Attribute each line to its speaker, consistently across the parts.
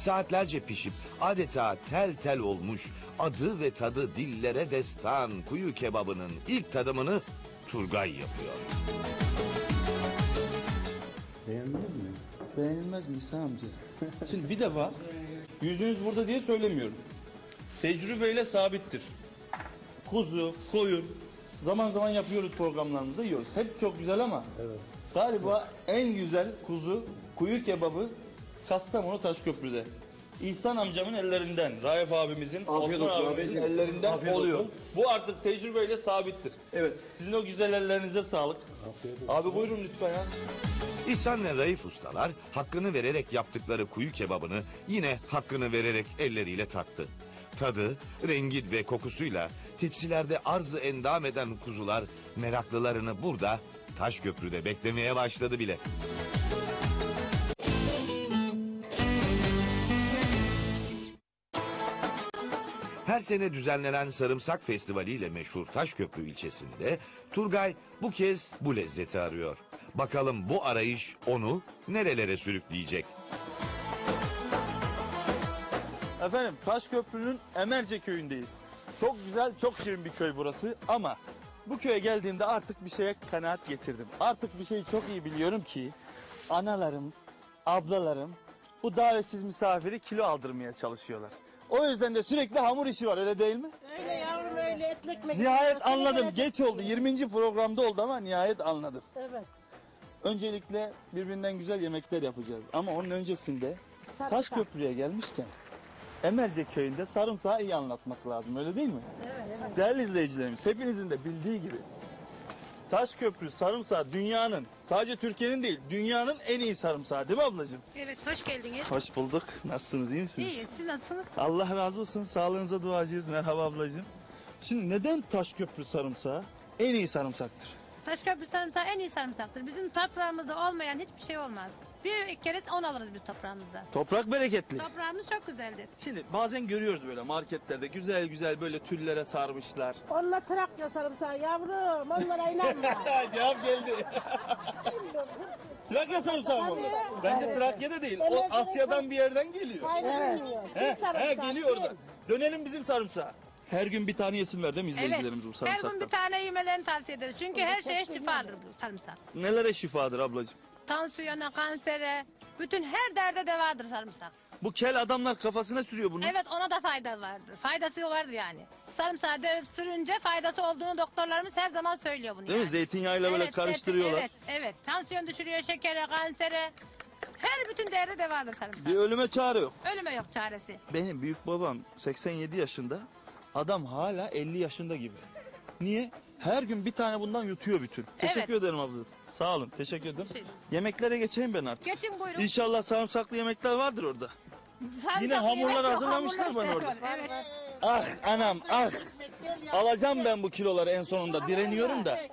Speaker 1: Saatlerce pişip adeta tel tel olmuş, adı ve tadı dillere destan kuyu kebabının ilk tadımını Turgay yapıyor.
Speaker 2: Beğendiniz mi?
Speaker 3: Beğenilmez mi İhsan amca? Şimdi bir defa yüzünüz burada diye söylemiyorum. Tecrübeyle sabittir. Kuzu, koyun zaman zaman yapıyoruz, programlarımızda yiyoruz. Hep çok güzel ama galiba en güzel kuyu kebabı Kastamonu Taşköprü'de. İhsan amcamın ellerinden, Raif abimizin,
Speaker 2: Afiyet
Speaker 3: Osman
Speaker 2: olsun
Speaker 3: abimizin
Speaker 2: abi.
Speaker 3: ellerinden
Speaker 2: Afiyet
Speaker 3: oluyor.
Speaker 2: olsun.
Speaker 3: Bu artık tecrübeyle sabittir.
Speaker 2: Evet.
Speaker 3: Sizin o güzel ellerinize sağlık. Abi buyurun lütfen ya.
Speaker 1: İhsan ve Raif ustalar hakkını vererek yaptıkları kuyu kebabını yine hakkını vererek elleriyle tattı. Tadı, rengi ve kokusuyla tepsilerde arzı endam eden kuzular meraklılarını burada Taşköprü'de beklemeye başladı bile. Her sene düzenlenen Sarımsak Festivali ile meşhur Taşköprü ilçesinde Turgay bu kez bu lezzeti arıyor. Bakalım bu arayış onu nerelere sürükleyecek?
Speaker 3: Efendim Taşköprü'nün Emerce köyündeyiz. Çok güzel, çok şirin bir köy burası ama bu köye geldiğimde artık bir şeye kanaat getirdim. Artık bir şeyi çok iyi biliyorum ki analarım, ablalarım bu davetsiz misafiri kilo aldırmaya çalışıyorlar. O yüzden de sürekli hamur işi var, öyle değil mi?
Speaker 4: Öyle yavrum, öyle etli ekmek.
Speaker 3: Nihayet anladım. Geç oldu. 20. programda oldu ama nihayet anladım.
Speaker 4: Evet.
Speaker 3: Öncelikle birbirinden güzel yemekler yapacağız. Ama onun öncesinde
Speaker 4: Sarımsak.
Speaker 3: Taşköprü'ye gelmişken Emerce köyünde sarımsağı iyi anlatmak lazım, öyle değil mi?
Speaker 4: Evet.
Speaker 3: Değerli izleyicilerimiz, hepinizin de bildiği gibi Taşköprü sarımsağı dünyanın, sadece Türkiye'nin değil, dünyanın en iyi sarımsağı, değil mi ablacığım?
Speaker 5: Evet, hoş geldiniz.
Speaker 3: Hoş bulduk. Nasılsınız, iyi misiniz?
Speaker 5: İyiyiz, siz nasılsınız?
Speaker 3: Allah razı olsun, sağlığınıza duacıyız. Merhaba ablacığım. Şimdi neden Taşköprü sarımsağı en iyi sarımsaktır?
Speaker 5: Taşköprü sarımsağı en iyi sarımsaktır. Bizim toprağımızda olmayan hiçbir şey olmaz. Bir kere on alırız biz toprağımızda.
Speaker 3: Toprak bereketli.
Speaker 5: Toprağımız çok güzeldir.
Speaker 3: Şimdi bazen görüyoruz böyle marketlerde güzel güzel böyle tüllere sarmışlar.
Speaker 4: Onunla Trakya sarımsağı yavrum. Onlara inanma.
Speaker 3: Cevap geldi. Trakya sarımsağı mı?
Speaker 4: Tabii.
Speaker 3: Bence
Speaker 4: Evet.
Speaker 3: Trakya'da değil. O
Speaker 4: Evet.
Speaker 3: Asya'dan bir yerden geliyor.
Speaker 4: Aynen
Speaker 3: He,
Speaker 4: öyle.
Speaker 3: geliyor oradan. Dönelim bizim sarımsağa. Her gün bir tane yesinler değil mi izleyicilerimiz bu
Speaker 5: Her
Speaker 3: sarımsaktan?
Speaker 5: gün bir tane yemelerini tavsiye ederiz. Çünkü her şeye şifadır bu sarımsak.
Speaker 3: Nelere şifadır ablacığım?
Speaker 5: Tansiyona, kansere, bütün her derde devadır sarımsak.
Speaker 3: Bu kel adamlar kafasına sürüyor bunu.
Speaker 5: Evet, ona da fayda vardır. Faydası vardır yani. Sarımsağı dövüp sürünce faydası olduğunu doktorlarımız her zaman söylüyor bunu
Speaker 3: Değil mi?
Speaker 5: yani.
Speaker 3: Zeytinyağıyla böyle karıştırıyorlar.
Speaker 5: Evet. Tansiyon düşürüyor, şekere, kansere. Her bütün derde devadır sarımsak.
Speaker 3: Bir ölüme çare yok.
Speaker 5: Ölüme yok çaresi.
Speaker 3: Benim büyük babam 87 yaşında. Adam hala 50 yaşında gibi. Niye? Her gün bir tane bundan yutuyor bütün. Teşekkür ederim abla. Sağ olun. Teşekkür ederim.
Speaker 5: Şey-
Speaker 3: Yemeklere geçeyim ben artık.
Speaker 5: Geçin buyurun.
Speaker 3: İnşallah sarımsaklı yemekler vardır orada.
Speaker 5: Sarımsaklı
Speaker 3: Yine hamurlar
Speaker 5: yemek yok,
Speaker 3: hazırlamışlar
Speaker 5: hamurlar
Speaker 3: bana orada.
Speaker 5: işte. Evet.
Speaker 3: Ah anam ah. Alacağım ben bu kiloları en sonunda. Direniyorum da.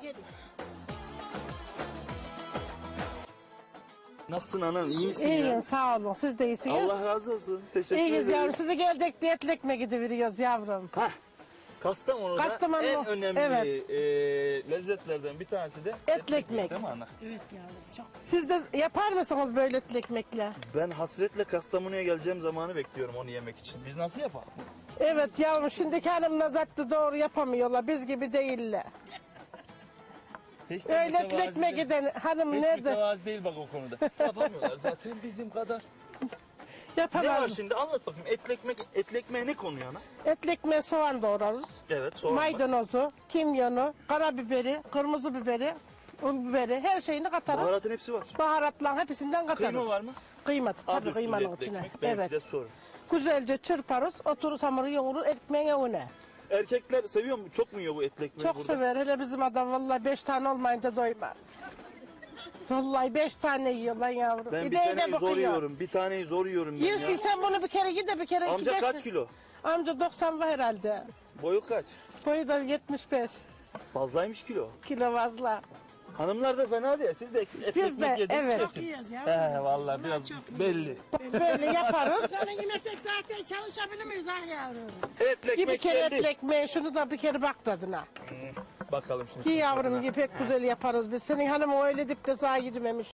Speaker 3: Nasılsın anam? İyi misin
Speaker 4: İyiyim,
Speaker 3: ya?
Speaker 4: sağ olun. Siz de iyisiniz.
Speaker 3: Allah razı olsun. Teşekkür
Speaker 4: İyiyiz
Speaker 3: ederim.
Speaker 4: yavrum. Sizi gelecek diye etli ekmek gidiveriyoruz yavrum.
Speaker 3: Hah. Kastamonu'da
Speaker 4: Kastamonu,
Speaker 3: en önemli
Speaker 4: evet.
Speaker 3: lezzetlerden bir tanesi de
Speaker 4: Etli ekmek.
Speaker 3: değil mi ana?
Speaker 4: Siz de yapar mısınız böyle etli ekmekle?
Speaker 3: Ben hasretle Kastamonu'ya geleceğim zamanı bekliyorum onu yemek için. Biz nasıl yapalım?
Speaker 4: Evet yavrum, şimdiki hanımlar zaten doğru yapamıyorlar. Biz gibi değiller.
Speaker 3: Hiç de
Speaker 4: Öyle etli
Speaker 3: mütevazi
Speaker 4: ekmek
Speaker 3: değil.
Speaker 4: giden hanım
Speaker 3: Hiç
Speaker 4: nerede?
Speaker 3: mütevazi değil bak o konuda. Yapamıyorlar zaten bizim kadar. Ne var
Speaker 4: Yapamaz.
Speaker 3: şimdi anlat bakayım. Etli ekmeğe ne konuyor ana?
Speaker 4: Etli ekmeğe soğan doğrarız.
Speaker 3: Evet soğan var.
Speaker 4: Maydanozu, kimyonu, karabiberi, kırmızı biberi, un biberi, her şeyini katarız.
Speaker 3: Baharatın hepsi var.
Speaker 4: Baharatla hepsinden katarız.
Speaker 3: Kıyma var mı?
Speaker 4: Kıyma
Speaker 3: Adı
Speaker 4: tabii
Speaker 3: üstünde
Speaker 4: kıymanın
Speaker 3: etli
Speaker 4: içine.
Speaker 3: ekmek. Benimki
Speaker 4: Evet.
Speaker 3: de sorun.
Speaker 4: Güzelce çırparız, otururuz hamuru yoğurur, ekmeğin önüne.
Speaker 3: Erkekler seviyor mu? Çok mu yiyor bu etli ekmeği
Speaker 4: Çok
Speaker 3: burada?
Speaker 4: sever. Hele bizim adam vallahi 5 tane olmayınca doymaz. Vallahi 5 tane yiyor lan yavrum.
Speaker 3: Ben bir
Speaker 4: İdeğine
Speaker 3: taneyi zor
Speaker 4: bakıyor.
Speaker 3: yiyorum. Bir taneyi zor yiyorum ben
Speaker 4: Yersin
Speaker 3: ya.
Speaker 4: sen bunu bir kere ye de bir kere iki
Speaker 3: Amca
Speaker 4: beş.
Speaker 3: kaç kilo?
Speaker 4: Amca 90 var herhalde.
Speaker 3: Boyu kaç?
Speaker 4: Boyu da 75
Speaker 3: Fazlaymış kilo.
Speaker 4: kilo fazla.
Speaker 3: Hanımlar da fena değil. Siz de et
Speaker 4: Biz
Speaker 3: ekmek
Speaker 4: de,
Speaker 3: yediniz
Speaker 4: evet.
Speaker 3: kesin.
Speaker 6: Yiyoruz ya.
Speaker 3: He vallahi biraz belli.
Speaker 4: Böyle yaparız.
Speaker 6: Sonra yemesek zaten çalışabilir miyiz ah yavrum?
Speaker 3: Etli
Speaker 4: Bir
Speaker 3: ekmek
Speaker 4: kere
Speaker 3: geldi.
Speaker 4: etli ekmeği, şunu da bir kere bak tadına.
Speaker 3: Bakalım şimdi.
Speaker 4: Ki yavrum ki pek güzel yaparız biz. Senin hanım öyle dip de sağa gidememiş.